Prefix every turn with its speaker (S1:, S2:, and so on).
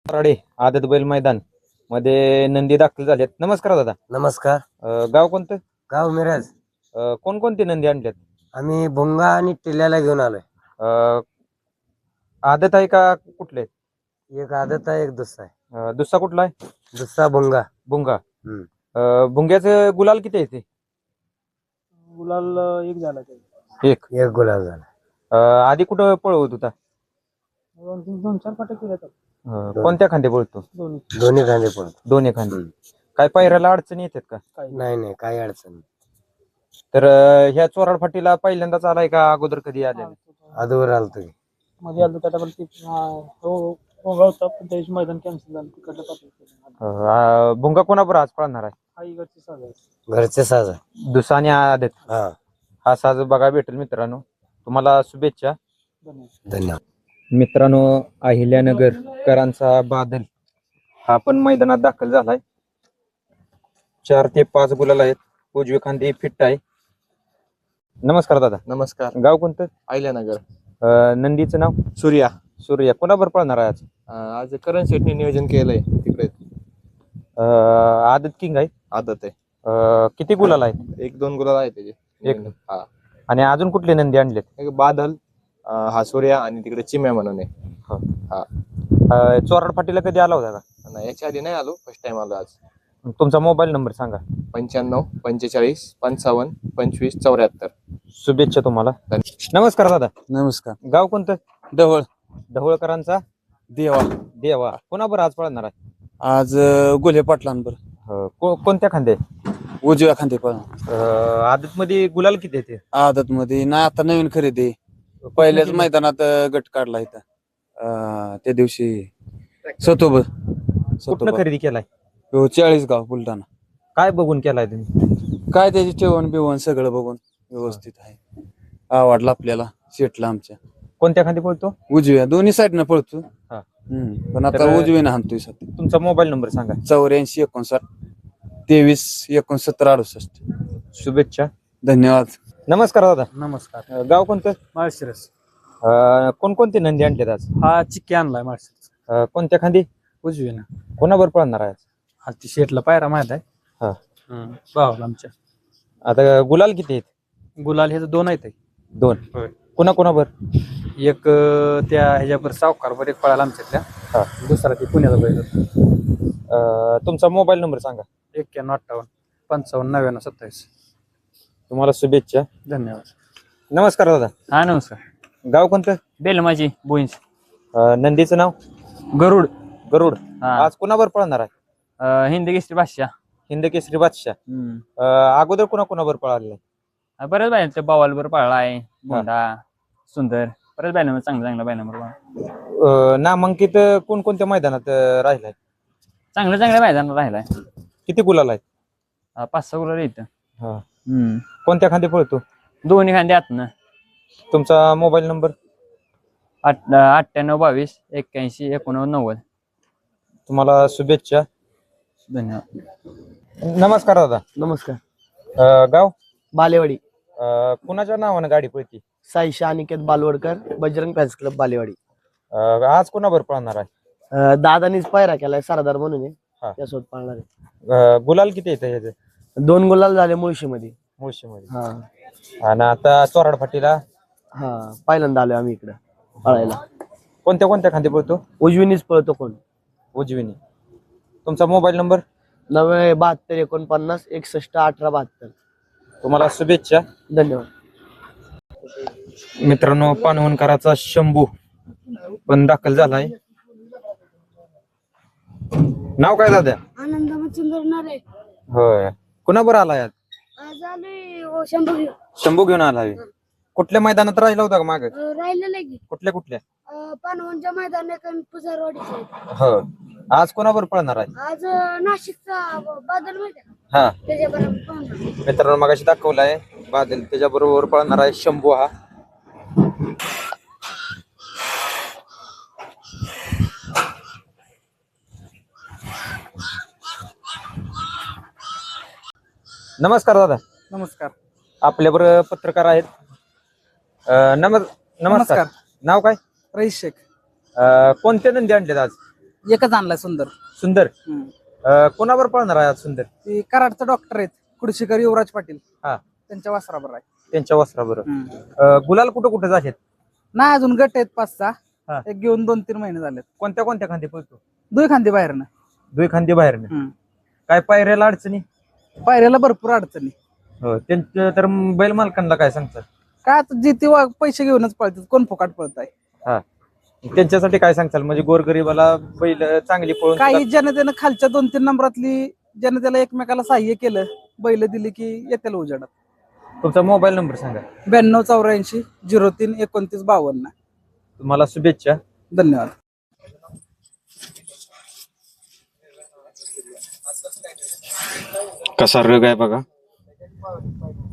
S1: कराडे आदत बैल मैदान मध्ये नंदी दाखल झालेत. नमस्कार दादा.
S2: नमस्कार.
S1: गाव कोणतं?
S2: गाव मिरज.
S1: कोणकोणते नंदी आणलेत?
S2: आम्ही भुंगा आणि टिल्ल्याला घेऊन आलोय.
S1: अं, आदत आहे का कुठले?
S2: एक आदत आहे, एक दुसरा आहे.
S1: दुसरा कुठला आहे?
S2: दुसरा भुंगा.
S1: भुंगा. भुंग्याचं गुलाल किती आहे ते?
S3: गुलाल एक झाला ते.
S1: एक.
S2: एक गुलाब झाला.
S1: आधी कुठं पळवत होता?
S3: दोन चार पाट्या केल्या तर
S1: कोणत्या खांदे पळतो?
S2: दोन्ही खांदे पडतो.
S1: दोन्ही खांदे. काय पायऱ्याला अडचणी येतात का?
S2: नाही काही अडचण नाही.
S1: तर ह्या चोराड फाटीला पहिल्यांदाच आलाय का अगोदर कधी आले?
S2: अदूर आलो तुम्ही.
S3: मध्ये आलो त्याच्यावर होता पण त्याची मैदान कॅन्सल झालं तिकडलं पाठवलं.
S1: भुंगा कोणाबरोबर आज पळणार आहे?
S3: हा इकडची साजा
S2: घरचे साज.
S1: दुसरा आणि आदत.
S2: हा,
S1: हा साज बघा भेटेल मित्रांनो. तुम्हाला शुभेच्छा.
S3: धन्यवाद.
S2: धन्यवाद.
S1: मित्रांनो, अहिल्यानगर करांचा बादल हा पण मैदानात दाखल झालाय. 4 ते 5 गुलाल आहेत. उजवी खांदी फिट आहे. नमस्कार दादा.
S4: नमस्कार.
S1: गाव कोणतं?
S4: अहिल्यानगर.
S1: नंदीचं नाव?
S4: सूर्या.
S1: सूर्या. कोणाबरोबर पळणार आहे आज?
S4: आज करण शेटने नियोजन केलंय तिकडे.
S1: आदत किंग आहे.
S4: आदत आहे.
S1: किती गुलाल आहेत?
S4: 1-2 गुलाल आहे त्याचे.
S1: एक.
S4: हा.
S1: आणि अजून कुठले नंदी आणलेत?
S4: एक बादल, हा सूर्या आणि तिकडे चिम्या म्हणून आहे.
S1: चोराड फाटीला कधी आला होता का?
S4: नाही, याच्या आधी नाही आलो, फर्स्ट टाइम आलो आज.
S1: तुमचा मोबाईल नंबर सांगा.
S4: 95 45 55 25 74.
S1: शुभेच्छा तुम्हाला. नमस्कार दादा.
S2: नमस्कार.
S1: गाव कोणतं?
S2: ढवळ.
S1: ढवळकरांचा
S2: देवा.
S1: देवा. कोणाबरोबर आज पळणार आहे?
S2: आज गोले पाटलांबर.
S1: कोणत्या खांदे?
S2: उजव्या खांदे पण.
S1: आदत मध्ये गुलाल किती येते?
S2: आदत मध्ये ना, आता नवीन खरेदी. पहिल्याच मैदानात गट काढला इथं. त्या दिवशी सतोब.
S1: कुठनं खरेदी केलाय?
S2: 40 गाव बुलढाणा.
S1: काय बघून केलाय तुम्ही?
S2: काय त्याची ठेवण बिवण सगळं बघून व्यवस्थित आहे. आवडला आपल्याला, शेटला आमच्या.
S1: कोणत्या खांदी पळतो?
S2: उजव्या दोन्ही साईडनं पळतो.
S1: हा.
S2: पण आता
S1: तर-
S2: उजवीनं हाणतोय सध्या.
S1: तुमचा मोबाईल नंबर सांगा.
S2: 84 59 23 69 68.
S1: शुभेच्छा.
S2: धन्यवाद.
S1: नमस्कार दादा.
S3: नमस्कार.
S1: गाव कोणतं?
S3: माळशिरस.
S1: कोणकोणते नंदी आणलेत आज?
S3: हा चिक्की आणलाय माळशिरस.
S1: कोणत्या खांदी?
S3: उजवीनं.
S1: कोणाबरोबर पळणार आहे आज?
S3: हा ती शेटला पायरा माहित आहे.
S1: हा.
S3: भावाला आमच्या.
S1: आता गुलाल किती आहेत?
S3: गुलाल हे 2 आहेत.
S1: 2.
S3: होय.
S1: कोणाकोणाबर?
S3: एक त्या ह्याच्यावर सावकारवर एक पळाला आमच्यातल्या.
S1: हा.
S3: दुसरा ती पुण्याचा बैल.
S1: तुमचा मोबाईल नंबर सांगा.
S3: 91 58 55 99 27.
S1: तुम्हाला शुभेच्छा.
S3: धन्यवाद.
S1: नमस्कार दादा.
S3: हा नमस्कार.
S1: गाव कोणतं?
S3: बेलमाची बोईंच.
S1: नंदीचं नाव?
S3: गरुड.
S1: गरुड.
S3: हा.
S1: आज कोणाबरोबर पळणार आहे?
S3: हिंदी केसरी भाषा.
S1: हिंद केसरी बादशाह. अगोदर कोणाबरोबर पळालेला?
S3: बऱ्याच बायनंबर बवालवर पळला आहे. गोंडा सुंदर बऱ्याच बायनंबर चांगला बायनंबर.
S1: नामांकित कोणकोणत्या मैदानात राहिलाय?
S3: चांगल्या मैदानात राहिलाय.
S1: किती गुलाल आहेत?
S3: 5-6 गुलाल येतं.
S1: कोणत्या खांदी पळतो?
S3: दोन्ही खांदे आतनं.
S1: तुमचा मोबाईल नंबर?
S3: 98 22 81 89 90.
S1: तुम्हाला शुभेच्छा.
S3: धन्यवाद.
S1: नमस्कार दादा.
S2: नमस्कार.
S1: गाव?
S2: बालेवाडी.
S1: कुणाच्या नावानं गाडी पळती?
S2: Saisha Aniket Balwadkar, Bajrang fans club Balewadi.
S1: आज कोणाबरोबर पळणार आहे?
S2: दादानीच पायरा केलाय सरदार म्हणून आहे.
S1: हा.
S2: त्यासोबत पाळणार आहे.
S1: गुलाल किती येतं ह्याचे?
S2: 2 गुलाल झाले मुळशीमध्ये.
S1: मुळशीमध्ये.
S2: हा
S1: आणि आता चोराड फाटीला
S2: हा, पहिल्यांदा आलोय आम्ही इकडं पळायला.
S1: कोणत्या खांदी पळतो?
S2: उजवीनीच पळतो कोण.
S1: उजवीने. तुमचा मोबाईल नंबर?
S2: 90 72 49 61 18 72.
S1: तुम्हाला शुभेच्छा.
S2: धन्यवाद.
S1: मित्रांनो, पानवणकराचा शंभू पण दाखल झालाय. नाव काय दादा?
S5: आनंद मच्छिंद्रनारे.
S1: होय. कुणाबरोबर आलाय आज?
S5: आज आलोय शंभू घेऊन.
S1: शंभू घेऊन आलाय. कुठल्या मैदानात राहिला होता का माग?
S5: राहिलेलं की
S1: कुठल्या?
S5: पानवनच्या मैदानात आणि पुजारवाडीचे.
S1: हो. आज कोणाबरोबर पळणार आहे?
S5: आज नाशिकचा बादल माहिती आहे का?
S1: हा.
S5: त्याच्याबरोबर पाहणार.
S1: मित्रांनो, मगाशी दाखवलाय बादल, त्याच्या बरोबर पळणार आहे शंभू हा. नमस्कार दादा.
S3: नमस्कार.
S1: आपल्याबरोबर पत्रकार आहेत. नमस्कार. नाव काय?
S3: रईस शेख.
S1: कोणते नंदी आणलेत आज?
S6: एकच आणलाय सुंदर.
S1: सुंदर
S6: हम्म.
S1: कोणावर पळणार आहे आज सुंदर?
S6: ते कराडचं डॉक्टर आहेत कुडशीकर युवराज पाटील.
S1: हा.
S6: त्यांच्या वासराबर आहे.
S1: त्यांच्या वस्त्राबरोबर
S6: हम्म.
S1: गुलाल कुठं कुठं झालेत?
S6: नाही अजून गट आहेत 5-6.
S1: हा.
S6: एक घेऊन 2-3 महिने झालेत.
S1: कोणत्या कोणत्या खांदी पळतो?
S6: दुई खांदी बाहेरनं.
S1: दुई खांदी बाहेर
S6: हम्म.
S1: काय पायऱ्याला अडचणी?
S6: पायऱ्याला भरपूर अडचणी.
S1: हो त्यांचं तर बैल मालकांना काय सांगतात?
S6: काय आता जे ते पैसे घेऊनच पळतात, कोण फुकाट पळत आहे.
S1: हा त्यांच्यासाठी काय सांगताल? म्हणजे गोरगरीबाला बैल चांगली पळून
S6: काही जनतेनं खालच्या 2-3 नंबरातली जनतेला एकमेकाला सहाय्य केलं, बैल दिली की येत्याला उजेडात.
S1: तुमचा मोबाईल नंबर सांगा.
S6: 9284 03 29 52.
S1: तुम्हाला शुभेच्छा.
S6: धन्यवाद.
S1: कसा रग आहे बघा.